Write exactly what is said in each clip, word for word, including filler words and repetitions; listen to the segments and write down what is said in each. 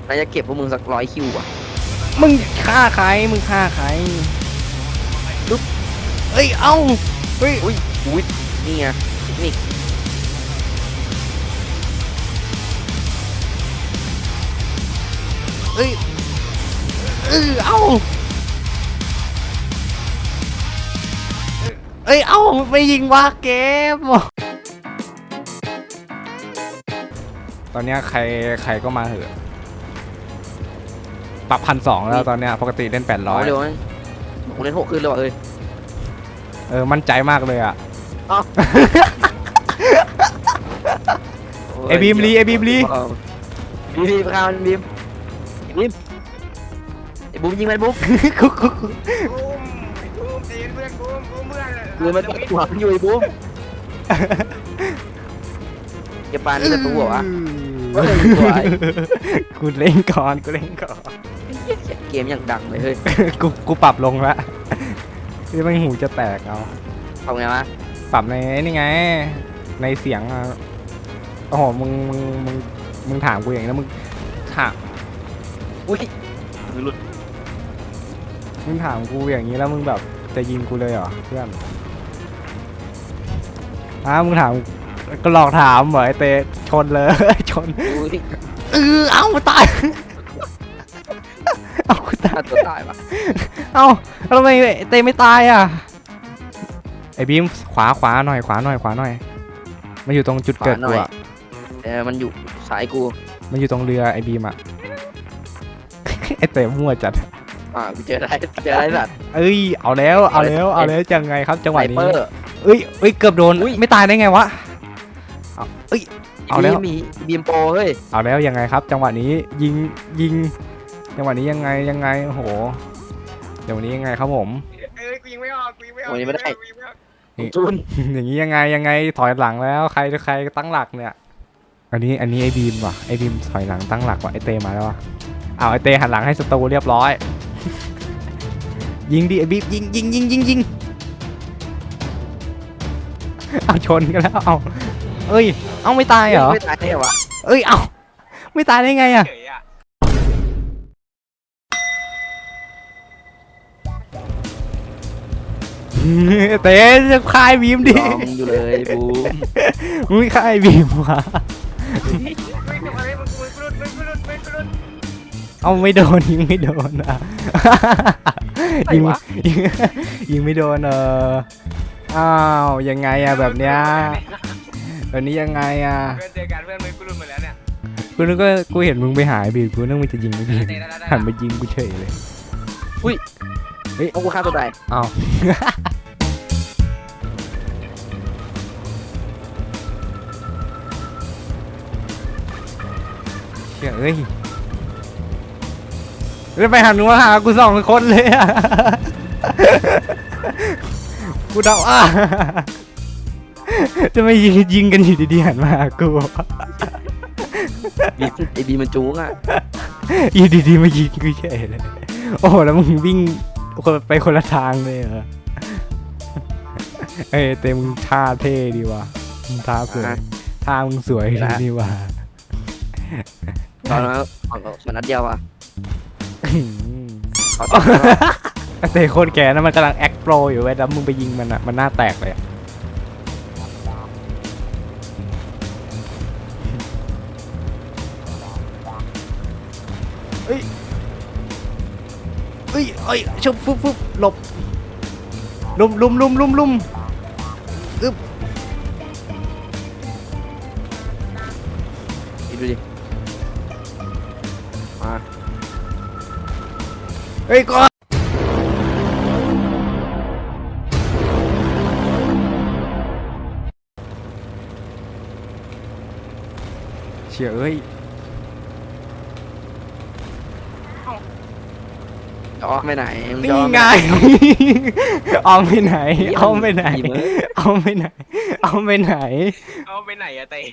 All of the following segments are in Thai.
น่าจะเก็บพวกมึงสักร้อยคิวอ่ะมึงฆ่าใครมึงฆ่าใครลุกเอ้ยเอ้าเฮ้ยอุ้ยอุ้ยนี่ไงเทคนิคเอ้ยเออเอ้าเอ้ยเอ้าไม่ยิงวะเกมตอนเนี้ยใครใครก็มาเหอะปรับพันสองแล้วตอนเนี้ยปกติเล่นแปดร้อยเดี๋ยวผมเล่นหกขึ้นแล้วเอ้ยเออมั่นใจมากเลยอ่ะไอบีมลีไอบีมลีบีมบีมข้าวบีมบีมไอบูมยิงมันบุ๊กคุกคุกบูมบูมตีเพื่อนบูมบูมเพื่อนคือมันหัวมันอยู่ไอบูมเก็บปานนี่ประตูเหรอวะกูเล่นก่อนกูเล่นก่อนเกมอย่างดังเลยเฮ้ยกูกูปรับลงละที่มันหูจะแตกเอาทำไงวะปรับในนี่ไงในเสียงอ่ะโอ้โหมึงมึงมึงมึงถามกูอย่างนี้แล้วมึงถามอุ้ยหลุดมึงถามกูอย่างนี้แล้วมึงแบบจะยิงกูเลยเหรอเพื่อนอ้ามึงถามก็หลอกถามเหรอไอเตะชนเลยชนเออเอ้าตายเอากูตายตัวตายปะเอ้าทำไมเตะไม่ตายอ่ะไอบีมขวาขวาหน่อยขวาหน่อยขวาหน่อยมันอยู่ตรงจุดเกิดกูอ่ะเออมันอยู่สายกูมันอยู่ตรงเรือไอบีมอ่ะไอเตะมั่วจัดอ่าเจอได้เจอได้สัตว์เอ้ยเอาแล้วเอาแล้วเอาแล้วจังไงครับจังหวะนี้เอ้ยเอ้ยเกือบโดนไม่ตายได้ไงวะเอ้ยเอาแล้วมีบีมโปเฮ้ยเอาแล้วยังไงครับจังหวะนี้ยิงยิงจังหวะนี้ยังไงยังไงโอ้โหจังหวะนี้ยังไงครับผมเอ้ยกูยิงไม่ออกกูยิงไม่ออกวันนี้ไม่ได้จุนอย่างนี้ยังไงยังไงถอยหลังแล้วใครใครตั้งหลักเนี่ยอันนี้อันนี้ไอบีมว่ะไอบีมถอยหลังตั้งหลักว่ะไอเตมาแล้วว่ะเอาไอเตหันหลังให้ศัตรูเรียบร้อยยิงดิไอบีมยิงยิงยิงยิงยิงเอาชนกันแล้วเอาเอ้ยเอาไม่ตายเหรอไม่ตายได้เหรอเอ้ยเอาไม่ตายได้ไงอะเต้จะคายบีมดิอยู่เลยบูมึงคายบีมวะเอาไม่โดนยิงไม่โดนอ่ะยิงยิงไม่โดนเอออ้าวยังไงอะแบบเนี้ยแบบนี้ยังไงอะเพื่อนเจอกันเพื่อนมึงกูรุนหมดแล้วเนี่ยกูนึกว่ากูเห็นมึงไปหายบีมกูนึกว่าจะยิงไม่บีมหันมายิงกูเฉยเลยอุ้ยเฮ้ยเอากูฆ่าตัวตายอ้าวเฮ้ยจะไปหันหัวหากูสองคนเลยอ่ะกูเดาอ่ะจะไม่ยิงยิงกันอยู่ดีๆหันมากูบีไอบีมันจู๊กอ่ะอยู่ดีๆมายิงกูเฉยเลยโอ้แล้วมึงวิ่งไปคนละทางเลยเหรอเอ้เต็มท่าเท่ดีว่ะมึงท่าสวยท่ามึงสวยดีว่ะตอนนั้นมันนัดเดียวอ่ะเตะโคตรแก่นะมันกำลังแอคโปรอยู่เว้ยแล้วมึงไปยิงมันอ่ะมันหน้าแตกเลยเอ้ยเอ้ยเอ้ยชุบฟุบฟุบหลบลุมลุมลุมลุมลุมอึ๊บดูดิมาเฮ้ยก็เชี่ยเอ้ยออกไปไหนนี่ไงเอาไปไหนเอาไปไหนเอาไปไหนเอาไปไหนเอาไปไหนอะเต้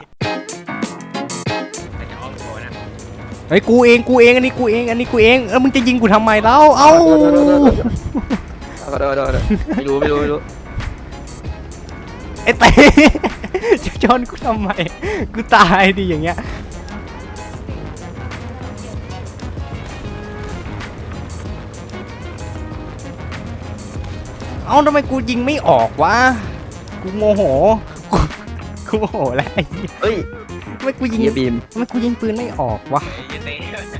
เฮ้ยกูเองกูเองอันนี้กูเองอันนี้กูเองเออมึงจะยิงกูทำไมเล่าเอ้าไม่รู้ไม่รู้ไม่รู้ไอ้เต้จะชนกูทำไมกูตายดิอย่างเงี้ยเอ้าทำไมกูยิงไม่ออกวะกูโมโหกูกูโมโหแล้วไอ้เหี้ยเฮ้ยทำไมกูยิงเฮียบีมทำไมกูยิงปืนไม่ออกวะเฮ้ยเต้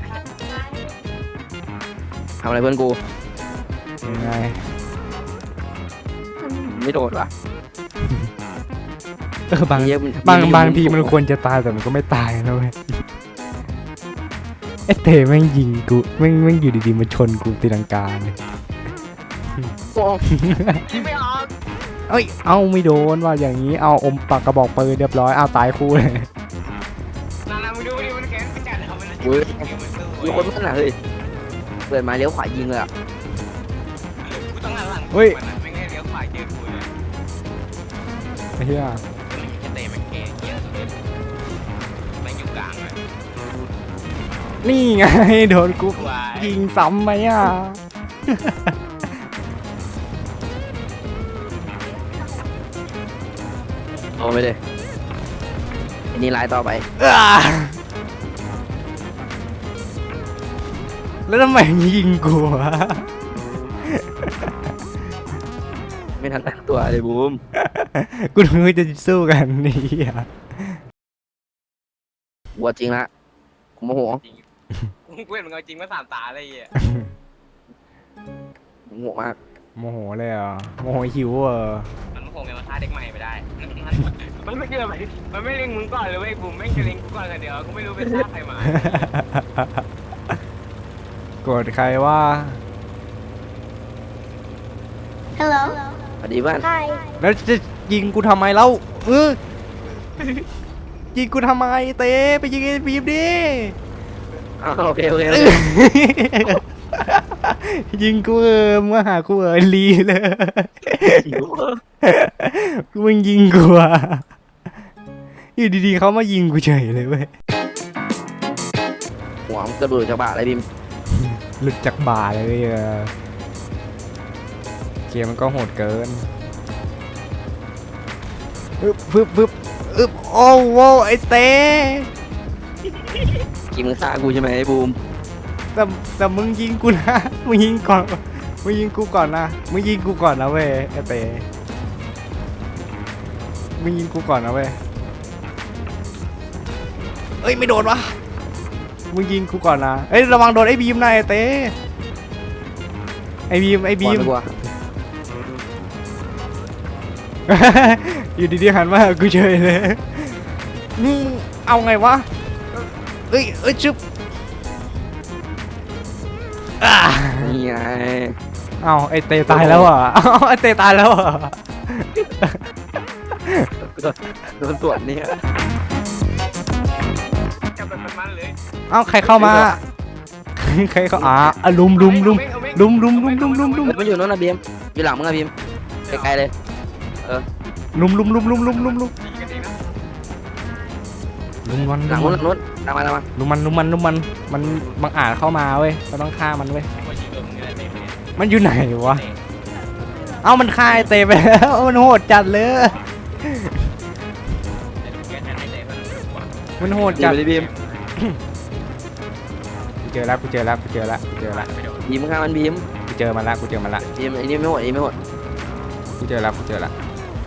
ทำอะไรเพื่อนกูยังไงไม่โดนวะเออบางเหี้ยบางมันบางทีมันมันควรจะตายแต่มันก็ไม่ตายนะเว้ยไอ้เตแม่งยิงกูแม่งแม่งอยู่ดีๆมาชนกูตีลังกาเลยโอ้ยิงไม่ออกเอ้ยเอาไม่โดนว่าอย่างนี้เอาอมปากกระบอกปืนเรียบร้อยเอาตายคู่เลยนานามึงดูดิมันแขนไปจัดเอามันเว้ยมันสู้มีคนมันน่ะเฮ้ยเปิดมาเลี้ยวขวายิงเลยอ่ะกูต้องหันหลังมันนะไม่งั้นเลี้ยวขวาเจอกูเลยไอ้เหี้ยจะเตะมันแก่เงี้ยมันอยู่กลางเลยนี่ไงโดนกูวายยิงซ้ำไหมอ่ะโอ้ไม่ได้อันนี้ไลน์ต่อไปอ่าแล้วทำไมยิงกูวะไม่ทันตั้งตัวเลยบูมกูนึกว่าจะสู้กันนี่อ่ะวัวจริงละผมโมโหกูเห็นมึงเอาจริงมาสามตาอะไรเงี้ยผมโมโหมากโมโหเลยเหรอ่ะโมโหหิวเหรอมันคงจะมาฆ่าเด็กใหม่ไม่ได้ มันไม่เกี่ยวไปมันไม่เล็งมึงก่อนเลยเว้ยกูไม่จะเล็งกูก่อนกันเดี๋ยวกูไม่รู้เป็นฆ่าใครมาโกรธใครว่า Hello. สวัสดีเพื่อน Hi. แล้วจะยิงกูทำไมเล่าเออยิงกูทำไมเต้ไปยิงไอ้บีมดิอ้าวโอเคโอเคโอเอเคอยิงกูเออมาหากูเออลีเลยหิวกูมึงยิงกูอ่ะอยู่ดีๆเขามายิงกูเฉยเลยเว้ยหัวมันกระโดดจากบ่าอะไรบีมหลุดจากบ่าเลยเว้ยเออเกมมันก็โหดเกินอึบฟึบฟึบอึบโอ้โหไอ้เต้กินมึงฆ่ากูใช่ไหมไอ้บูมแต่แต่มึงยิงกูนะ มึงยิงก่อน มึงยิงกูก่อนนะ มึงยิงกูก่อนนะเว้ยไอ้เต้มึงยิงกูก่อนนะเว้ยเอ้ยไม่โดนวะ มึงยิงกูก่อนนะ เอ้ยระวังโดนไอ้บีมนะไอ้เต้ไอ้บีมไอ้บีมก่อนดีกว่าอยู่ดีๆหันมาหากูเฉยเลยมึงเอาไงวะ เอ้ยเอ้ยชึบอ่านี่ไงเอาไอเตตายแล้วอ่ะเอาไอเตตายแล้วอ่ะโดนตรวจเนี่ยจับแบบมันเลยเอาใครเข้ามา ใครเข้าอ่าอ่ะลุมลุมลุมลุมลุมลุมลุมลุมลุมเฮ้ยมันอยู่โน่นนะบีมอยู่หลังมึงอะบีมไกลๆเลยลุมลุมลุมลุมลุมลุมลุมยิงกันเองนะลุมมันหลังลุนู้นมหลังนู้นตามมาตามมาลุมมันลุมมันลุมมันมันบังอาจเข้ามาเว้ยเราต้องฆ่ามันเว้ยว่ายิงโดนมึงอะไรเตะมันอยู่ไหนวะ เอ้ามันฆ่าไอเตไปแล้ว มันโหดจัดเลย มันโหดบีจัมดไปดิบีมกูเจอแล้วกูเจอแล้วกูเจอแล้วกูเจอแล้วบีมฆ่ามันบีมกูเจอมันละกูเจอมันละบีมไอ้นี่ไม่หมดไอ้นี่ไม่หมดกูเจอแล้วกูเจอแล้ว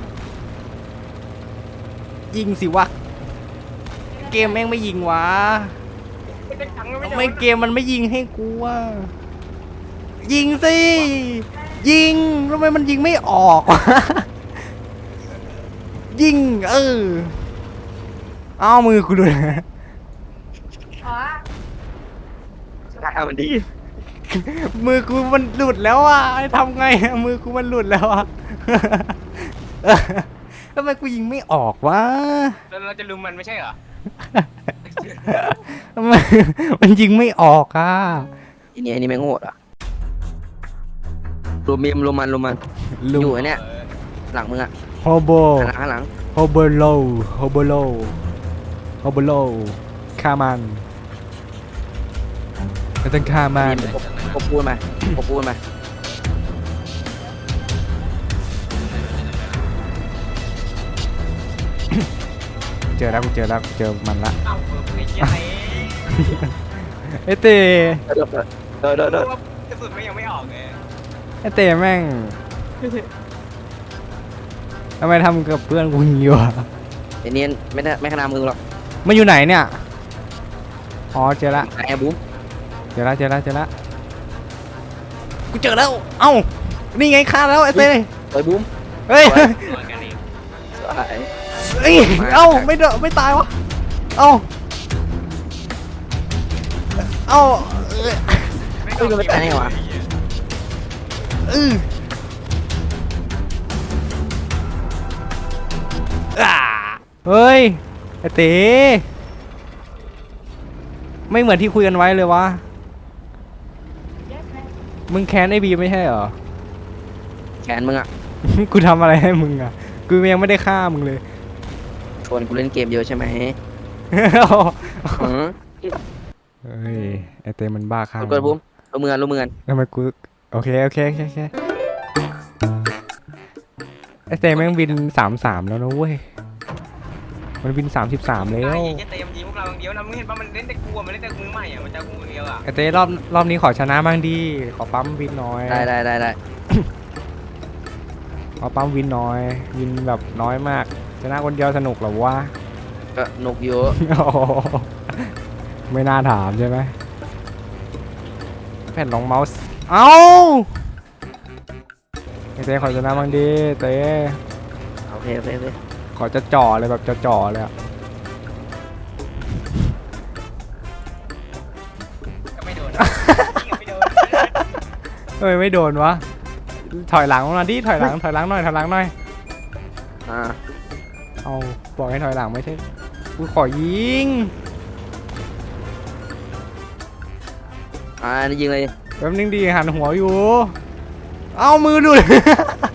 ยิงสิวะเกมแม่งไม่ยิงวะทำไมเกมมันไม่ยิงให้กูวะยิงสิยิงทำไมมันยิงไม่ออกวะยิงเออเอามือกูดูนะฆ่ามันดีมือกูมันหลุดแล้วอ่ะทำไงอะมือกูมันหลุดแล้วอ่ะ ทำไมกูยิงไม่ออกวะแล้วเราจะลุมมันไม่ใช่เหรอทำไมมันยิงไม่ออกอ่ะอันนี้อันนี้แม่งโหดอ่ะรวมบีมรวมมันรวมมันลุอยู่งไอ้เนี่ยหลังมึงอ่ะโฮโบหันหลังหันหลังโฮโบโลโฮโบโลโฮโบโลฆ่ามันไม่ต้องฆ่ามันบีมกบปูนมากบปูนมาเจอแล้วกูเจอแล้วกูเจอมันละเอ้าไอ้เหี้ยเตะไอเต้เดินเดินเดินเดินกระสุนไม่ยังไม่ออกเลยไอเต้แม่งทำไมทำกับเพื่อนกูอย่างนี้วะไอ้เนียนไม่ได้ไม่ขนาดมือหรอกมันอยู่ไหนเนี่ยอ๋อเจอละไอ้บูมเจอละเจอละเจอละกูเจอแล้วเอ้านี่ไงฆ่าแล้วไอ้เต้ไอ้บูมเฮ้ยตัวกันเองสวยเอ้ยเอ้าไม่เดนไม่ตายวะเอ้าเอ้าเอ้ยไม่ต้องคิดอะไรวะอืออ่าเฮ้ยไอ้เต้ไม่เหมือนที่คุยกันไว้เลยวะมึงแค้นไอ้บีไม่ใช่เหรอแขนมึงอ่ะกูทำอะไรให้มึงอ่ะกูยังไม่ได้ฆ่ามึงเลยชวนกูเล่นเกมเยอะใช่ไหมหือเฮ้ยไอเต้มันบ้าข้างกดบูมรู้มือกันรู้มือกันทำไมกูโอเคโอเคโอเคโอเคไอเต้แม่งบินสามสามแล้วนะเว้ยมันบินสามสิบสามแล้วไอ้เต็มทีพวกเราอย่างเดียวนะมึงเห็นป่ะมันเล่นแต่กูมันเล่นแต่มือใหม่อ่ะมันจะกูเดียวอ่ะไอเต้รอบรอบนี้ขอชนะบ้างดิขอปั๊มวินหน่อยได้ได้ได้ได้ขอปั๊มวินหน่อยวินแบบน้อยมากชนะคนเดียวสนุกเหรอวะก็นกเยอะโอ้โหไม่น่าถามใช่ไหมแผ่นรองเมาส์เอ้าไอเต้ขอชนะบ้างดิเต้โอเคโอเคโอเคขอจะจ่อเลยแบบจะจ่อเลยอะก็ไม่โดนไม่โดนเฮ้ยไม่โดนวะถอยหลังมาดิถอยหลังถอยหลังหน่อยถอยหลังหน่อยอ่าเอาบอกให้ถอยหลังไม่ใช่กูขอยิงอ่านี่ยิงเลยแป๊บนึงดีหันหัวอยู่ เอามือดูด